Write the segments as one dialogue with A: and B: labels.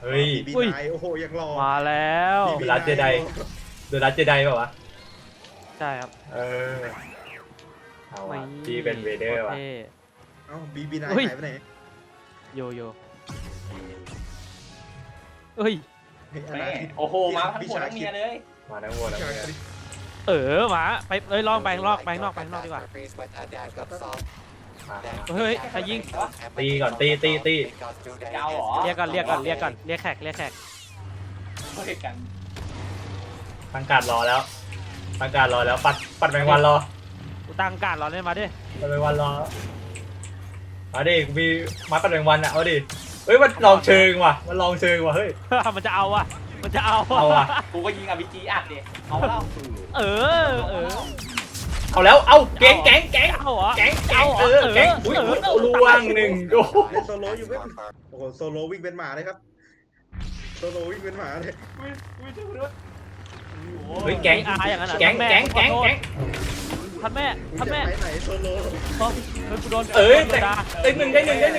A: ฮ้ย
B: บีนายโอ้โหยังรอ
C: มาแล้ว
A: เดอะลัสเจไดเดอะลัสเจไดเปล่าวะ
C: ใช่ครับ
A: เอาว่ะพี่เป็นเวเดอร์ว่ะ
C: ท่
B: เอ้าบีนาย
C: เฮ้ย
B: หายไปไหน
C: โยเอ้ย
B: เฮ้ย
D: แม่
B: นาทิตย์
D: โอ้โหมาทั้งผัวทั้งเมียเลย
A: มาทั้งวัวทั้งเมีย
C: หมาไปลองไปนอกดีกว่า
A: มา
C: เฮ้ยใครยิง
A: ตีก่อนตี
D: เจ้าเหรอ
C: เรียกก่อนเรียกแขก
D: เฮ้ยกัน
A: ตั้งการรอแล้วปัดแมงวันรอ
C: กูตั้งการรอเลยมาดิ
A: ปัดแมงวันรอมาดิกูมีไม้ปัดแมงวันอ่ะเอาดิเฮ้ยมันลองเชิงว่ะเฮ้ย
C: มันจะเอาอ่ะ
A: เอาอ่ะ
D: กูก็ยิงอ p g อัดดิเอาแล้ว
C: เออ
A: เอาแล้วเอาแก๊ง
C: เอาเหรอ
A: แก๊งอุ้ยล่วงหนึ่งโอ้
B: เล่นโซโล่อยู่เว้ยโอ้โหโซโล่วิ่งเป็นหมาเลยครับโซโล่วิ่งเป็นหมาเลย
A: เฮ้ยแก๊ง
C: อาอย่างนั้นเหรอ
A: แก๊ง
C: ท่านแม่
B: มึงจะไปไหนโซโล่
C: เฮ้ยกูโดน
A: ได้หนึ่ง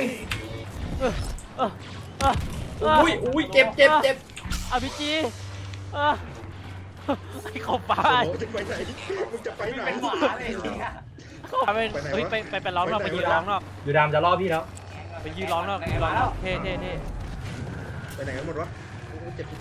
A: อุ้ยเจ็บ
C: อาพีจีไอ้ขอบฟ้า
B: โซโล่จะไปไหนมึงจะไปไหน
D: เป็นหมาเลยจริงอะ
C: เฮ้ยไปร้องนอกไปยืนร้องนอก
A: อยู่ดามจะล่อพี่แล้ว
C: ไปยืนร้องนอกเท่
B: ไปไหนกันหมดวะโอ้โหเจ็บ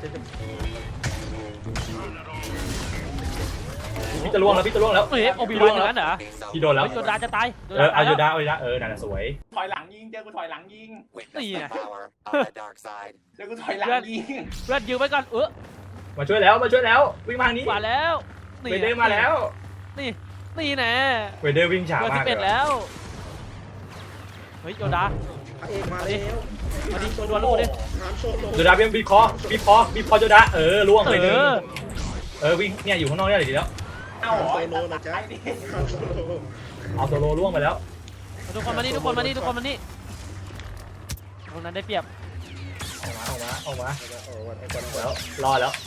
A: พี่จะล่วงแล้ว
C: เฮ้ยโอบิวันอย่างนั้นเหรอ
A: พี่โดนแล้ว
C: โดนดาจะตาย
A: เอาอยู่ดานั่นแหละสวย
D: ถอยหลังยิงเจอกูถอยหลังยิง
C: นี่ไง
D: เจอกูถอยหลังยิง
C: เพื่อนยืมไว้ก่อน
A: มาช่วยแล้ววิ่งมาทางนี้
C: มาแล้ว
A: เวเดอร์มาแล้ว
C: นี่แน่
A: เวเดอร์วิ่งช้า
C: เพื่อน
A: มาก
C: 11แล้วเฮ้ยโยดา
B: พระเอกมาแล้ว
C: มาดิดวลลูกดิ
B: ถามโซโล่
A: อยู่ดาบีคอโจดาล่วงไปหนึ่งวิ่งเนี่ยอยู่ข้างนอกเนี่ยดีแล้ว
D: เอาเหรอ
B: โซโล่นะจ๊ะ
D: ไอ้ดิ
B: ถามโซโล่
A: เอาโซโลล่วงไปแล้ว
C: ทุกคนมานี่ตรงนั้นได้เปรียบ
A: ออกมา
B: โอ้วันไอ้ก่อน
A: แล้วรอแล้ว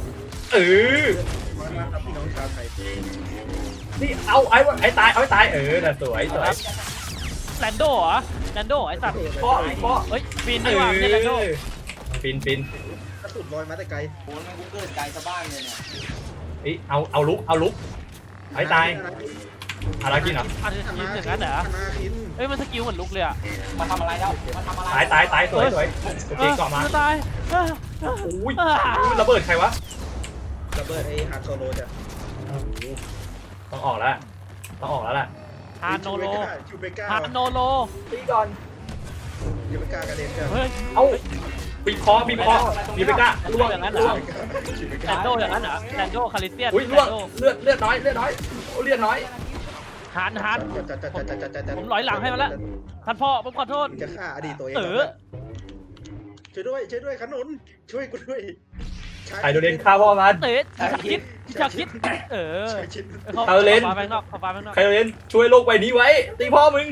B: มาครับพี่น้องชาวไทย
A: นี่เอาไอ้ตายน่ะสวย
C: แลนโดเหรอแลนโดไอ้สัตว์
A: เพาะ
C: เฮ้ยปีนดีกว่าไม่ใช่แลนโด
A: ปิน
B: กระสุนลอยมาแต่ไกล
D: โอ้ยมันกูเกิดไกลสะบ้านเลยเนี่ย
A: เอาลุกไอ้ตายอะไรกินเหรอ
C: อันนี้ยิงอย่างนั้นเหรอ
B: นาคิน
C: เฮ้ยมันสกิลเหมือนลุกเลยอ่ะ
D: มาทำอะไรแล้วมาทำอะไร
A: ตายสวยโอเคก่อนมา
C: ตาย
A: อุ้ยระเบิดใครวะ
B: ระเบิดไอ้ฮาร์ดโซโลจ้ะ
A: ต้องออกแล้วแหละ
C: ฮานโนโล
B: ชูเบก้า
C: ฮานโนโล
A: ตีก่อน
B: ชูเบก้ากระเด็นจ้ะ
C: เฮ้ย
A: เอาบีบคอมีไปก้าล่วง
C: อย่างนั้นเหรอแลนโดอย่างนั้นเหรอแลนโดคาริเซียน
A: อุ้ยล่วงเลือดน้อยเลือดน้อย
C: ฮานผมร้อยหลังให้มันละท่านพ่อผมขอโทษ
B: จะฆ่าอดีตตัวเอง ช่วยด้วยขนุนช่วยกูด้วย
A: ไอโดเดนฆ่าพ่อมัน
C: เตะชาคิดเขาฟ้าแบงนอก
A: ไคโดเดนช่วยโลกใบนี้ไว้ตีพ่อมึง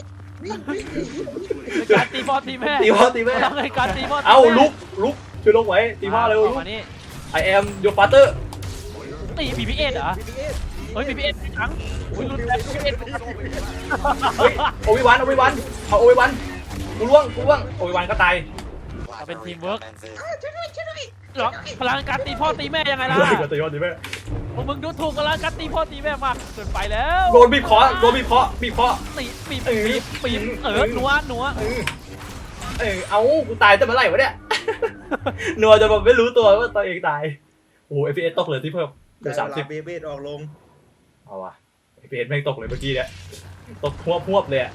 C: การตีพ่อตีแม่
A: ตีพ่อ
C: ทำไงการตีพ่อ
A: เอาลุกช่วยโลกไว้ตีพ่อเร็ว
C: มานี่
A: I am your father
C: ตีBB8เหรอเฮ้ย BB8 ทั้งอุ้ยรุนแรง BB8
A: เฮ้ยโอวิวันเอาโอวิวันกูล่วงโอวิวันก็ตาย
C: เป็นทีมเวิร์กหรอพลังการตีพ่อตีแม่ยังไงล่ะ
A: ก็ตีพ่อตีแม่
C: มึงดูถูกพลังการตีพ่อตีแม่มากเกินไปแล้ว
A: โดนบีบคอตีบีบนัวเอากูตายแต่เมื่อไหร่วะเนี่ยนัวจนแบบไม่รู้ตัวว่าตัวเองตายโอ้ FPS ตกเลยที่เพิ่มเหลือ30
B: เบเบดออกลง
A: เอาว่ะ FPS แม่งตกเลยเมื่อกี้เนี่ยตกหวบเลยอ่ะ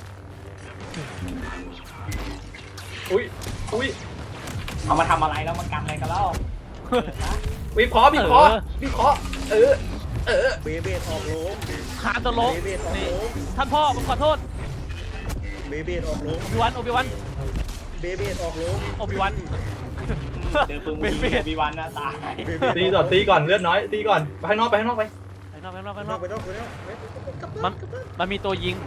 A: อุ้ย
D: เอามาทำอะไรแล้วมากันอะไรกันแล้ว
A: บีบคอเออ
B: เบเบดออกลง
C: คานตลกนี่ท่านพ่อผมขอโทษ
B: เบเบดออกลง
C: โอบิวัน
B: เบเบดออกลง
C: โอบิวัน
D: เจอปืนยิงบีวันนะตาย
A: ตีก่อนเลือดน้อยตีก่อนไปข้างนอกไป
C: ไปนอก มันมีตัวยิง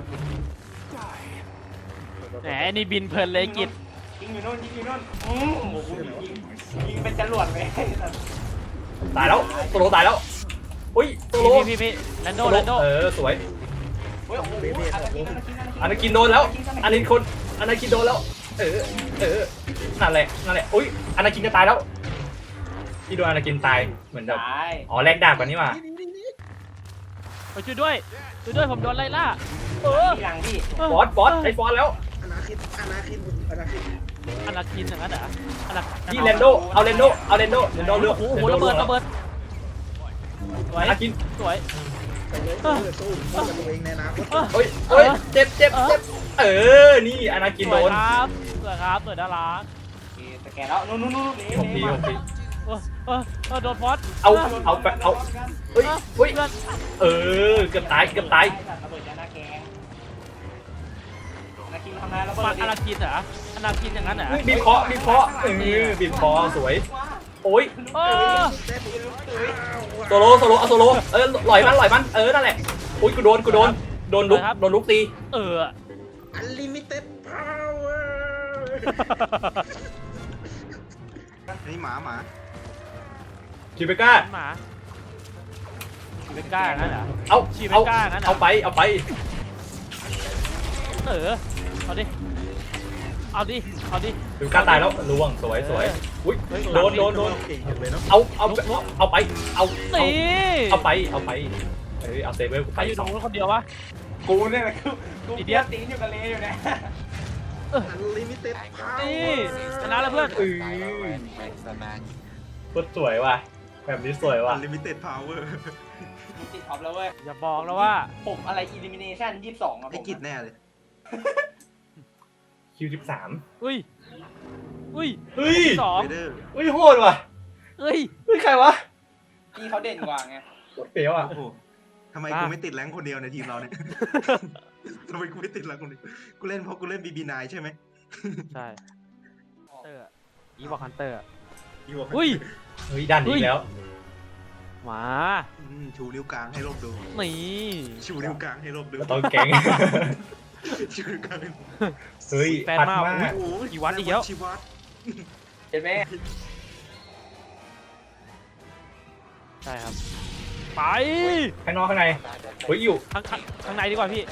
C: แหมนี่บินเพลินเลยกิจ
D: ยิงอยู่โน่นโอ้โหยิงเป็นจรวดเลย
A: ตายแล้วโซโลตายแล้วอุ้ยโซโล
C: พี่แลนโด
A: สวย
D: โอ้โห
B: เบเบดออกลง
A: อนาคินโดนแล้วอนาคินโดนแล้วเออนั่นแหละอุ้ยอนาคินจะตายแล้วพี่โดนอนาคินตายเหมือนแบบ
D: ตาย
A: อ๋อแลกดาบกันนี่หว่า
C: ไปช่วยด้วยผมโดนไล่ล่า
D: ที่หลังพี่
A: บอสไอ้ฟอนแล้ว
B: อนาคิน
C: อนาคินอย่างนั้นเหรอ
A: พี่เรนโดเอาเรนโดเลือก
C: โอ้โหระเบิดสวย
A: อนาคิน
C: สวย
B: ไปเลยสู้กับตัวเองในอนาคต
A: เฮ้ยเจ็บนี่อนาคิน
C: ส
A: โด
C: วย
A: น
C: ครับสวยครับสวยน่ารัก
D: สแกนแล้วนู่น
A: ผมดี
C: โดนฟอส
A: เอาเฮ้ย
C: เพื่อน
A: เกือบตาย
D: ระเบิดยาหน้าแกงนาคินทำงานระเบิ
C: ฟั
D: ด
C: นอนาคินเหรออนาคินอย่างนั้นเหรอ
A: บีบคอบีบคอสวยโอ้ยโซโลเอาโซโลหลอยมันนั่นแหละโอ้ยกูโดนลุกตี
B: อันลิมิเต็ดพาวเวอร์นี่หมา
A: คิเบก้า
C: หมาเบก้าอย่างนั้นเหรอ
A: เอาไป
C: เอาดิ
A: คิเบก้าตายแล้วล่วงสวยอุ้ยโดน
B: เก่งจังเลยเนาะ
A: เอาไปเอา
C: นี่
A: เอาเซเบอร์
C: ใครอยู่ตรงนู้นคนเดียววะ
D: กูเนี่ยแหละกูเดียวตีนอยู่กับเลอยู่เนี่ย
B: อันลิมิเต็ดพาวเว
C: นี่
B: อร์
C: ชนะแล้วเพื่อน
A: ก็สวยว่ะแบบนี้สวยว่ะ
B: อันลิมิเต็ดพาวเวอร์
D: ติดท็อปแล้วเว้ย
C: อย่าบอกนะว่า
D: ผมอะไร elimination 22อ่ะ
B: ไอ้กิจแน่เลย
A: คิว13
C: อุ้ย
A: เฮ้ย
C: สอง
B: เวเดอร์
A: เฮ้ยโหดว่ะ
C: เฮ้ย
A: ใครวะ
D: พี่เขาเด่นกว่าไง
A: โคตรเฟี้ยวอ่ะ
B: โอ้โหทำไมกูไม่ติดแรงค์คนเดียวในทีมเราเนี่ย ทำไมกูไม่ติดแรงค์คนเดียวกูเล่นเพราะกูเล่น BB9 ใช่ไหม
C: ใช่เตอร์อีบอกฮันเตอร์
B: อยู่กับ
C: อุ้ย
A: เฮ้ยดันอีกแล้ว
C: มา
B: ชูนิ้วกลางให้โลกดู
C: นี่
B: ชูนิ้วกลางให้โลกดู
A: ต้องแก๊ง
B: ชูนิ้วกลางให้
A: เฮ้ย
C: แฟน
A: ปัด
C: มาก
A: มาก
B: โอ้โห
C: กี่วัดอีกแล้ว
B: ชีวัด
D: เห็นไหม
C: ใช่ครับ ไป
A: ข้างนอกข้างในเฮ้ยอยู่
C: ข้างในดีกว่าพี่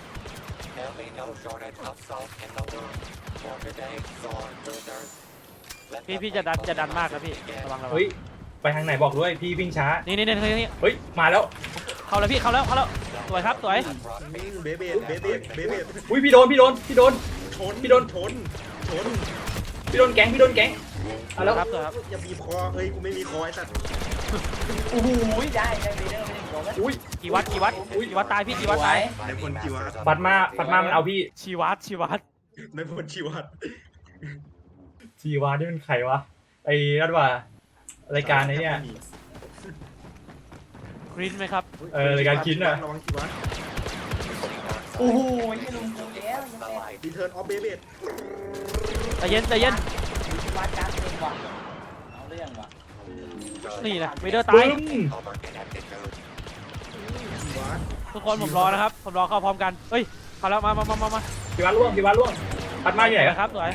C: พี่จะดันมากนะพี่ระวัง
A: เฮ้ยไปทางไหนบอกด้วยพี่วิ่งช้า
C: นี่
A: เฮ้ยมาแล้ว
C: เข้าแล้วพี่เข้าแล้วสวยครับสวย
B: เบเบด
A: อุ้ยพี่โดน
B: ชน
A: พี่โดน
B: ชน
A: พี่โดนแก๊งเอาแล้ว
C: ครับสวยครับ
B: อย่าบีบคอเฮ้ยกูไม่มีคอไอ้สัตว์
D: โอ้โหได้เบเดอร์ไม่ได้โดนไหม
A: อุ้ย
C: กี่วัดตายพี่กี่วัดตาย
B: ในพลชีวัด
A: ปัดมามันเอาพี่
C: ชีวัด
B: ในพลชีวัด
A: ชีวานี่เป็นใครวะไอ้นั่นว่ารายการไอ้เนี่ย
C: กรีนไหมครับ
A: รายการคิดน่ะ
B: ระวังชีวัด
D: โอ้โหไม่ลงกูแล้ว
B: รีเทิร์นออฟเบเบด
C: ใจเย็น
D: วัดการเต็มว่ะเอาเรื่องว่ะ
C: นี่นะเวเดอร์ตา
A: ปึ้
C: ย
A: ม
B: ชีวัด
C: ทุกคนผมรอนะครับผมรอเข้าพร้อมกันเฮ้ยเข้าแล้วมา
A: ชีวาล่วงปัดมาอยู่ไหน
C: ครับสวย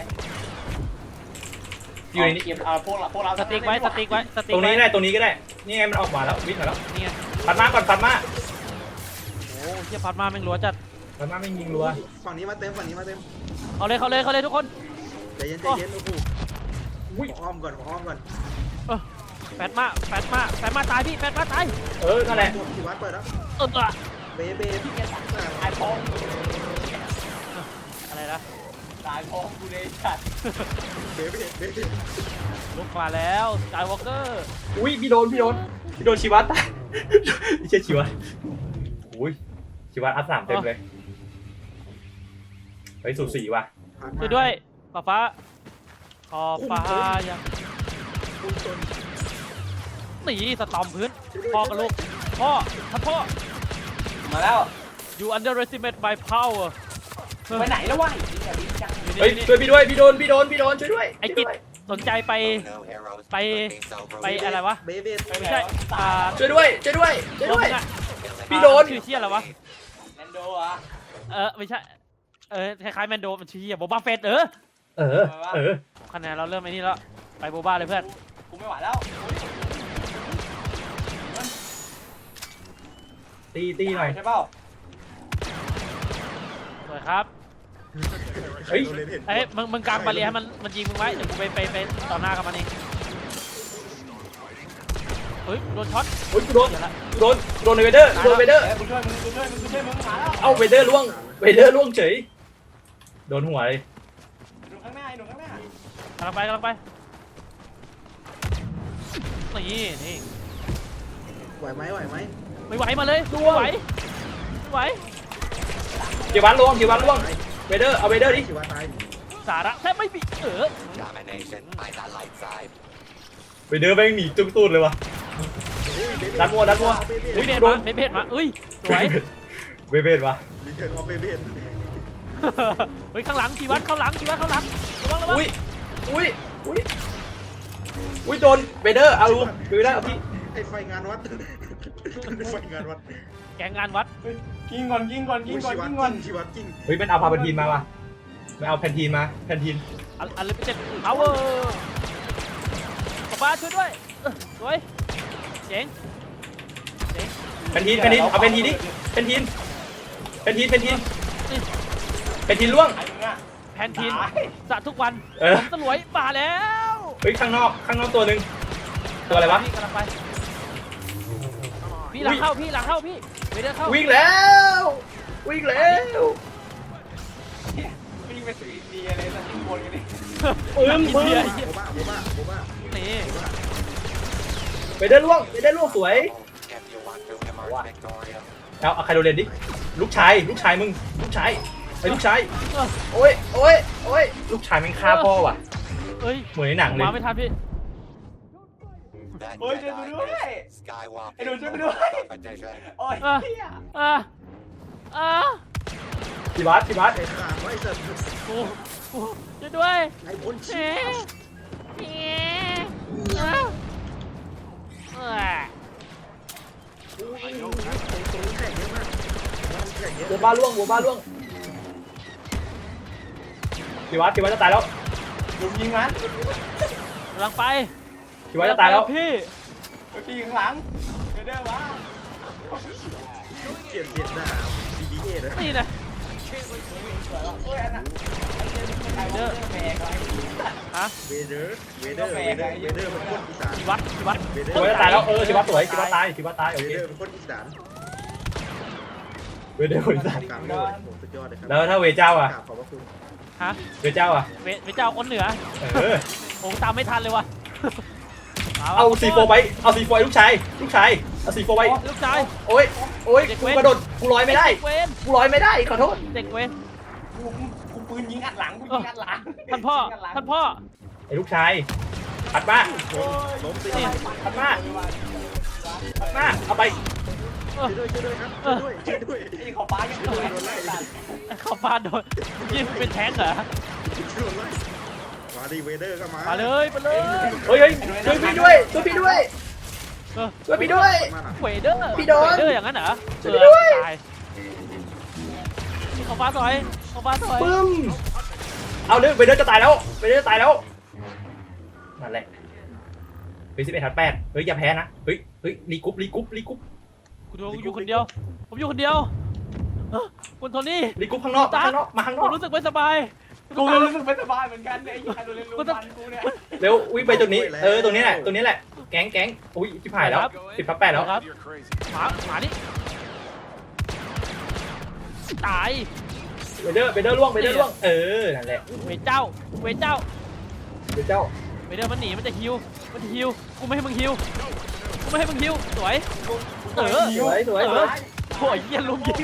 A: อยู่ในนี้
D: เก็บเอาพวกเรา
C: สติ๊กไว้
A: ตรงนี้ได้ตรงนี้ก็ได้นี่ไงมันออกมาแล้ววิ่งมาแล้ว
C: นี่ไง
A: ปัดมาก่อนปัดมา
C: โอ้เทียพัดมาแม่งรัวจัด
A: ปัดมาไม่ยิงรัว
B: ฝั่งนี้มาเต็ม
C: เขาเลยทุกคน
B: ใจเย็นโอ้โห
A: อุ้ย
B: อ้อมก่อน
C: แปดมาตายพี่แปดมาตาย
A: นั่นแหละ
B: ชีวัดเปิดแล้ว เบเบด
D: ตายพอง
C: อะไรนะ
D: ตายพองกูเลยจัด
B: เบเบด
C: ลุกมาแล้วสกายวอล์กเกอร์
A: อุ้ยพี่โดนชีวาตายไม่ใช่ชีวาอุ้ยชีวาอัพ3เต็มเลยเฮ้ยสูสีว่ะ
C: ช่วยด้วยฟ้าขอฟ้ายังหนีสตอมพื้นพ่อกับลูกพ่อ
D: มาแล้ว
C: you underestimate my power
D: ไปไหนแล้ววะ
A: เฮ้ยช่วยพี่ด้วยพี่โดนช่วยด้วย
C: ไอ้กิจสนใจไปอะไรวะ
B: เบเบด
C: ไม่ใช่
A: ช่วยด้วย
C: ลงอะ
A: พี่โดน
C: ชื่อเชี่ยอะไรวะ
D: แมนโดอ่ะ
C: ไม่ใช่คล้ายๆแมนโดมันชื่อเชี่ยโบบาเฟตคะแนนเราเริ่มไอ้นี่แล้วไปโบบ้าเลยเพื่อน
D: กูไม่ไหวแล้ว
A: ตีหน่อย
D: ใช่เปล่า
C: สวยครับ
A: เฮ้ย
B: โดนเลนเห็น
C: เอ้ยมึงกางบาเรียให้มันยิงมึงไว้เดี๋ยวกูไปต่อหน้ากับมันเองเฮ้ยโดนช็อต
A: โอ้ยกูโดน
C: เดี๋ยวละ
A: โดนเวเดอร์โดนเวเดอร์
D: กูช่วยมึงมาแล้ว
A: เอ้าเวเดอร์ล่วงเฉยโดนหัวเลย
D: หนูข้างหน้าหนูข้างหน้าก
C: ำลังไปนี่
B: ไหวไหม
C: ไม่ไหวมาเลยไม่ไหว
A: เกียร์วันล่วงเวเดอร์เอาเวเดอร์ดิ
B: ชิวาตาย
C: สาระแทบไม่มี
A: เวเดอร์แม่งหนีจุกตูดเลยวะดันมัว
C: อุ้ยเบส
A: โด
C: มาน เบสมาอุ้ยสวย
A: เวเบดวะ
B: รีเทิร์นออฟเบเบน
C: เฮ้ยข้างหลังชีวัตข้างหลังระวัง
A: อุ้ยโดนเวเดอร์เอาดูได้เอาพี่
B: ไอ้ไฟงานวัดไฟงานวัด
C: แกงงานวัด
D: กินก่อน
B: ชิวากิ้ง
A: เฮ้ยมันเอาพาแพนทีนมาว่ะมันเอาแพนทีนมาแพนทีน
C: อะไรเป็นเจ็ดพาวเวอร์ป้าช่วยด้วยสวยเจ๋ง
A: แพนทีนเอาแพนทีนดิแพนทีนล่วง
D: ไอ้มึงอ่ะ
C: แพนทีนสะทุกวัน ตะหลวยมาแล้ว
A: เฮ้ยข้างนอกตัวหนึ่งตัวอะไรวะ
C: พี่กำลังไปพี่หลังเข้าพี่เวเดอร์เข้า
A: วิ่งแล้ว
D: วิ่งไปสุดอินเดียเลยสักทีบนกันดิ
A: ปึ้ม
B: โบบ้า
C: นี่
A: เวเดอร์ล่วงสวยเอาใครโดนเรียนดิลูกชายมึงลูกชายโอ้ยลูกชายแม่งฆ่าพ่อว่ะ
C: เอ้ย
A: เหมือนในหนังเลย
C: มาไม่ทันพี่
D: เฮ้ยช่วยกูด้วยไอ้หนูช่วยกูด้วยโอ้ยเฮีย
A: พี่บัส
B: ไอ้ขาไว้สัตว์
C: กูช่วยด้วย
B: ไอ้พ้นชี ตรงนี้แข่งเยอะมากแข่งเยอะ
A: บัวบ้าล่วงพี่วัดจะตายแล้ว
D: หนูยิงมัน
C: กำลังไป
A: พี่วัดจะตายแล้ว
C: พี่
D: พี่ข้างหลังเด้อวะ
B: เกลียดด่า BBA เลย
C: นี่นะ
D: โอ้ยอันน่ะเด้อแบกอะไร
C: ฮะ
B: เวเดอร์เป็นคนอีสาน
C: ชีวัด
A: พี่วัดจะตายแล้วพี่วัดสวยพี่วัดตายโอ
B: เว
A: เค
B: เดอร์เป็นคนอีสาน
A: เวเดอร์คนตาย
B: กลางเลยโหสุดยอดเลยครั
A: แล้วถ้าเวเจ้าอ่ะ
B: ขอบพระคุณ
C: ฮะ
A: เวเจ้าอ่ะ
C: เวเจ้าคนเหนือ ผมตามไม่ทันเลยวะ
A: เอาC4ไปเอาC4ลูกชายเอาC4ไป
C: ลูกชาย
A: โอ้ยกูกระโดดกูลอยไม่ได้
C: เด็กเวน
A: กูลอยไม่ได้ขอโทษ
C: เด็กเวน
D: กูปืนยิงอัดหลังกูยิงอัดหลัง
C: ท่านพ่อ
A: ไอ้ลูกชายผัดมา
B: ล้มสิ
C: นี่
A: ผัดมาเอาไป
B: ช่วยด้วยครับช่วยด้วย
D: ไอ้ขอป้ายังสวย
B: โดนไล่
C: เข้าบ้านโดนยิงเป็นแท้งเหรอ
B: โดนไล่มาดิเวเดอร์ก็มา
C: มาเลยไปเลย
A: เฮ้ยช่วยพี่ด้วยช่วยพี่ด้วย
C: เวเดอร์
A: พี่โดน
C: เวเดอร์อย่างนั้นเหรอ
A: ช่วยด้วย
C: ตายเข้าบ้านซอย
A: ปึ้มเอาเลยเวเดอร์จะตายแล้วนั่นแหละเฮ้ย11-8เฮ้ยอย่าแพ้นะเฮ้ยรีกรุ๊ป
C: กูอยู่คนเดียวผมอยู่คนเดียวคุณโทนี่
A: รีกรุ๊ปข้างนอกมาข้างน
C: ผ
A: อ
C: ม
A: ก
C: รู้สึกไม่สบาย
D: กูรู้สึกไม่สบายเหมือนกันเนี่ยไอ้ใครโดนเล่นลูกมันกูเนี่ย
A: เร็ววิ่งไปตรงนี้ตรงนี้แหละแก๊งอุ้ยชิบหายแล้ว10-8แล้ว
C: ครับหมานี่ตาย
A: เวเดอร์ล่วงนั่นแหละ
C: เวเจ้า
A: เวเจ้า
C: เวเดอร์มันหนีมันจะฮิวกูไม่ให้มึงฮิวสวย
A: สวย
C: โอ้ยเยี่ยลุมยิง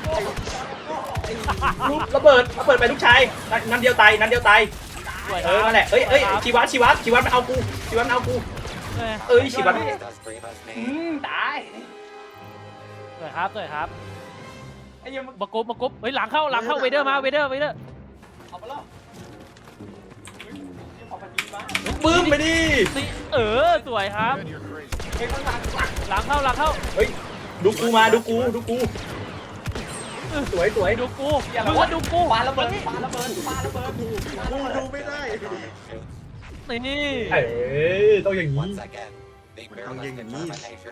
A: ระเบิดไปลูกชายนัดเดียวตาย นั่นแหละชีวัตมันเอากูชีวัต
D: ตาย
C: สวยครับ
D: ไอ้ยัง
C: มากบเฮ้ยหลังเข้าเวเดอร์มาเวเดอร์
D: เอาไปแล้วเอาไปยิงมา
A: บึ้มไปดิ
C: สวยครับ
D: เฮ้ยข้างหลัง
C: หลังเข้า
A: เฮ้ยดูกูมาดูกูสวย
C: ดูกูมึงก็ดูกู
D: ปาระเบิด
B: กูดูไม่ได้
C: นี่
A: ต้องอย่างนี้
B: มันต้องยิงอย่างนี้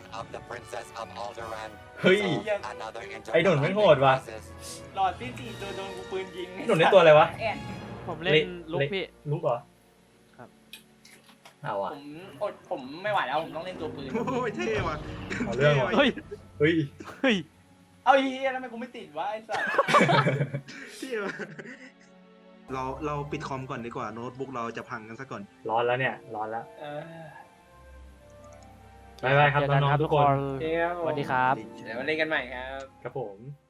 A: เฮ้ย ไอ้หนุนไม่โหดว่ะ
D: หลอดที่สี่ตัวโดนกูปืนยิง
A: หนุนได้ตัวอะไรวะ
D: แอน
C: ผมเล่นลุกพี่
A: ลุกเหรอ
C: ครับ
A: เอา
D: ผ
A: อ่ะ
D: ผมไม่ไหวแล้วผมต้องเล่นตัวปืน
B: โอ้ยเท่ว่ะ
A: เอาเรื่องว่ะ
C: เฮ้ย
A: เฮ้ย
C: เฮ้ย
D: เอาเฮียทำไมกูไม่ติดวะไอ้สัส
B: เท่ว่ะเราปิดคอมก่อนดีกว่าโน้ตบุ๊กเราจะพังกันซะก่อน
A: ร้อนแล้วเนี่ย ร้อนแล้ว
D: เออ
A: บ๊ายบายครับ
C: เจอกัน
A: น้อง
C: ครับ
A: ๆทุกคน
D: เดี๋ยว
C: สวัสดีครับ
D: เดี๋ยวมาเล่นกันใหม่ครับ
A: ครับผม